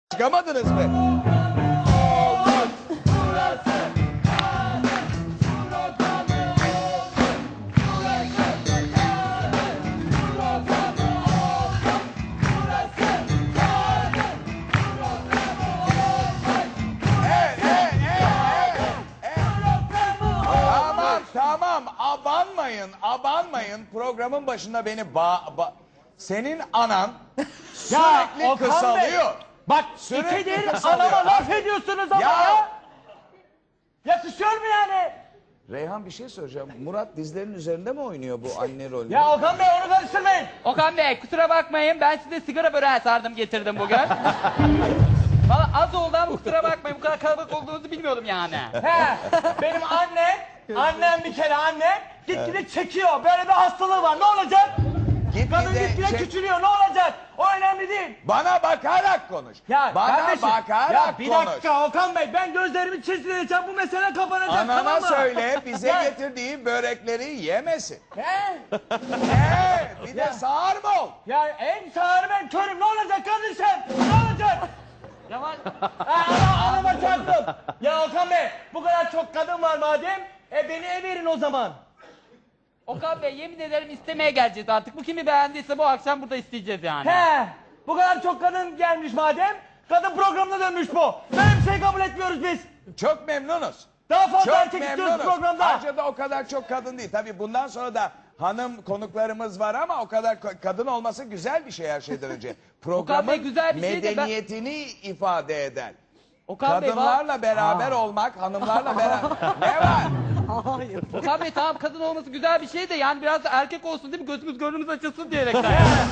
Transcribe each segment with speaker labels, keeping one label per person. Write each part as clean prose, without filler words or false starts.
Speaker 1: Çıkamadınız mı? Tamam, abanmayın. Programın başında beni senin anan sürekli kısalıyor.
Speaker 2: Bak
Speaker 1: Sürekli
Speaker 2: ikidir
Speaker 1: kısalıyor.
Speaker 2: anama laf ediyorsunuz ama ya. Yakışıyor mu yani?
Speaker 1: Reyhan bir şey soracağım. Murat dizlerinin üzerinde mi oynuyor bu anne rolünü?
Speaker 2: Ya Okan Bey onu karıştırmayın.
Speaker 3: Okan Bey kusura bakmayın, ben size sigara böreği sardım getirdim bugün. Valla az oldu ama kusura bakmayın, bu kadar kalabalık olduğunuzu bilmiyordum yani.
Speaker 2: He, benim annem bir kere gitgide çekiyor. Böyle bir hastalığı var, ne olacak? Kadın gitgide küçülüyor, ne olacak? O önemli değil.
Speaker 1: Bana bakarak konuş.
Speaker 2: Ya
Speaker 1: Bana
Speaker 2: kardeşim,
Speaker 1: bakarak
Speaker 2: ya bir
Speaker 1: konuş.
Speaker 2: dakika Okan Bey, ben gözlerimi çizdireceğim, bu mesele kapanacak,
Speaker 1: Anana
Speaker 2: tamam mı?
Speaker 1: söyle bize
Speaker 2: Ya.
Speaker 1: getirdiği börekleri yemesin.
Speaker 2: He?
Speaker 1: Bir de sağır mı ol?
Speaker 2: Ya en sağır ben körüm, ne olacak kardeşim? Ne olacak?
Speaker 3: Yavaş.
Speaker 2: Anama çarptım. Ya Okan Bey, bu kadar çok kadın var madem, beni verin o zaman.
Speaker 3: Okan Bey yemin ederim istemeye geleceğiz artık. Bu kimi beğendiyse bu akşam burada isteyeceğiz yani.
Speaker 2: He, bu kadar çok kadın gelmiş madem, kadın programına dönmüş bu. Böyle bir şey kabul etmiyoruz biz.
Speaker 1: Çok memnunuz.
Speaker 2: Daha fazla
Speaker 1: Çok
Speaker 2: erkek istiyoruz
Speaker 1: memnunuz.
Speaker 2: programda.
Speaker 1: Ayrıca da o kadar çok kadın değil. Tabii bundan sonra da hanım konuklarımız var ama o kadar kadın olması güzel bir şey her şeyden önce. Programın
Speaker 3: güzel bir şey de ben-
Speaker 1: medeniyetini ifade eder.
Speaker 3: Okan Bey,
Speaker 1: Kadınlarla beraber olmak, hanımlarla beraber... Ne var?
Speaker 3: Okan Bey tamam kadın olması güzel bir şey de yani biraz da erkek olsun değil mi? Gözümüz gönlümüz açılsın diyerekten.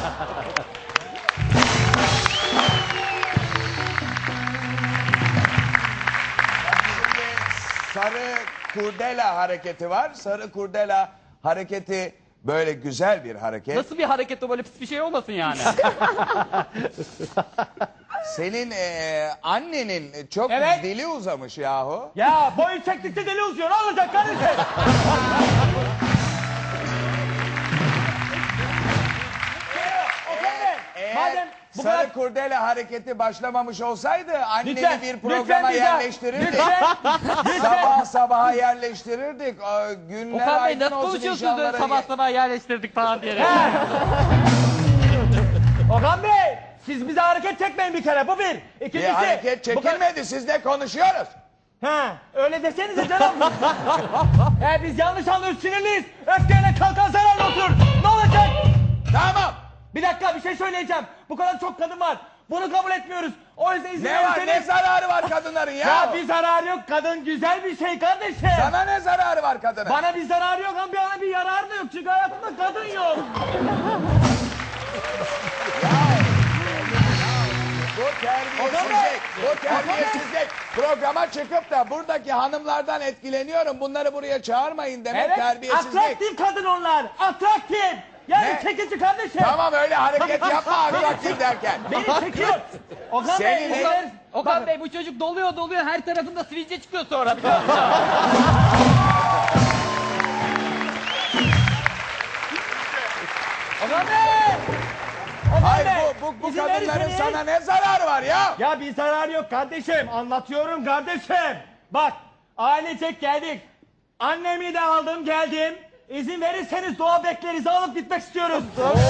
Speaker 1: Şimdi sarı kurdela hareketi var. Sarı kurdela hareketi böyle güzel bir hareket.
Speaker 3: Nasıl bir hareket o, böyle pis bir şey olmasın yani.
Speaker 1: Senin annenin çok
Speaker 2: Evet.
Speaker 1: dili uzamış yahu.
Speaker 2: Ya boy yükseklikte deli uzuyor, ne olacak kardeşim? Okan Bey,
Speaker 1: Eğer
Speaker 2: madem bu
Speaker 1: sarı
Speaker 2: kadar...
Speaker 1: kurdele hareketi başlamamış olsaydı anneni
Speaker 2: Lütfen,
Speaker 1: bir
Speaker 2: lütfen
Speaker 1: programa
Speaker 2: bize-
Speaker 1: yerleştirirdik.
Speaker 2: Lütfen.
Speaker 1: Sabah sabaha yerleştirirdik. Günler
Speaker 3: Okan Bey
Speaker 1: aydın
Speaker 3: nasıl
Speaker 1: olsun
Speaker 3: konuşuyorsunuz öyle
Speaker 1: inşallah.
Speaker 3: sabah sabah yerleştirdik falan diyerek.
Speaker 2: Okan Bey, siz bize hareket çekmeyin bir kere, bu bir.
Speaker 1: Bir
Speaker 2: İkincisi...
Speaker 1: hareket
Speaker 2: bu kadar-
Speaker 1: çekilmedi, sizle konuşuyoruz.
Speaker 2: He, öyle desenize canım. Biz yanlış anlıyoruz, sinirliyiz. Öfkeyle kalkan zararlı oturur. Ne olacak?
Speaker 1: Tamam.
Speaker 2: Bir dakika, bir şey söyleyeceğim. Bu kadar çok kadın var. Bunu kabul etmiyoruz. O yüzden izin
Speaker 1: Ne var, ne
Speaker 2: verirseniz...
Speaker 1: zararı var kadınların ya?
Speaker 2: Ya bir zararı yok. Kadın güzel bir şey kardeşim.
Speaker 1: Sana ne zararı var kadının?
Speaker 2: Bana bir zararı yok ama bana bir yararı da yok. Çünkü hayatımda kadın yok.
Speaker 1: Bu terbiyesizlik. Programa çıkıp da buradaki hanımlardan etkileniyorum. Bunları buraya çağırmayın demek
Speaker 2: Evet,
Speaker 1: terbiyesizlik.
Speaker 2: atraktif kadın onlar. Atraktif. Yani
Speaker 1: Ne?
Speaker 2: çekici kardeşim.
Speaker 1: Tamam öyle hareket yapma atraktif derken.
Speaker 2: Beni çekiyor. Okan Bey,
Speaker 1: Senin-
Speaker 2: izin verir-
Speaker 3: Okan Bey bu çocuk doluyor her tarafında sivilce çıkıyor sonra. biliyor musun?
Speaker 2: Okan Bey! Okan
Speaker 1: Hayır
Speaker 2: Bey,
Speaker 1: bu
Speaker 2: izin
Speaker 1: kadınların
Speaker 2: verirseniz-
Speaker 1: sana ne zararı var ya?
Speaker 2: Ya bir zararı yok kardeşim. Anlatıyorum kardeşim. Bak, ailecek geldik. Annemi de aldım geldim. İzin verirseniz doğa beklerinizi alıp gitmek istiyoruz.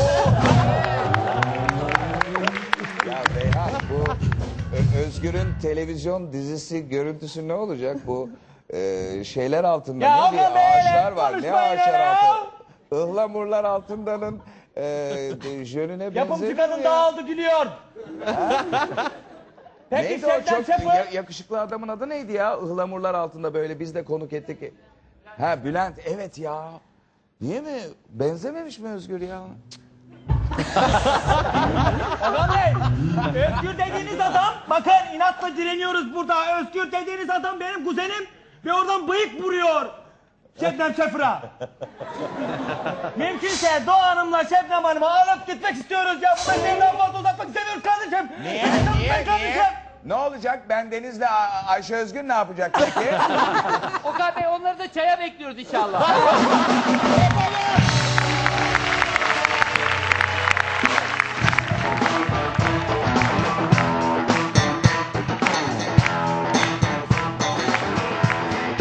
Speaker 1: Ya Reyhan bu Özgür'ün televizyon dizisi görüntüsü ne olacak bu şeyler altında
Speaker 2: Ya
Speaker 1: ne
Speaker 2: Okan
Speaker 1: diye
Speaker 2: Bey,
Speaker 1: ağaçlar var ne
Speaker 2: konuşmayın
Speaker 1: ağaçlar
Speaker 2: ya.
Speaker 1: altında ıhlamurlar altındanın jönüne
Speaker 2: Yapımcı
Speaker 1: benzemiyor
Speaker 2: kadın
Speaker 1: ya.
Speaker 2: dağıldı gülüyor. Peki
Speaker 1: Neydi o
Speaker 2: Şebnem
Speaker 1: çok
Speaker 2: Şefo?
Speaker 1: yakışıklı adamın adı neydi ya ıhlamurlar altında böyle biz de konuk ettik. Ha Bülent evet ya. Niye mi benzememiş mi Özgür ya?
Speaker 2: Okan Bey, Özgür dediğiniz adam, bakın inatla direniyoruz burada. Özgür dediğiniz adam benim kuzenim ve oradan bıyık vuruyor. Şebnem Şefra. Mümkünse Doğa Hanım'la Şebnem Hanım'ı alıp gitmek istiyoruz ya. Bu meseleyi daha fazla uzatmak istemiyoruz kardeşim.
Speaker 1: Niye?
Speaker 2: Kardeşim.
Speaker 1: Ne olacak? Ben Deniz'le Ayşe Özgür ne yapacak peki?
Speaker 3: Okan Bey onları da çaya bekliyoruz inşallah.
Speaker 1: Yapalım!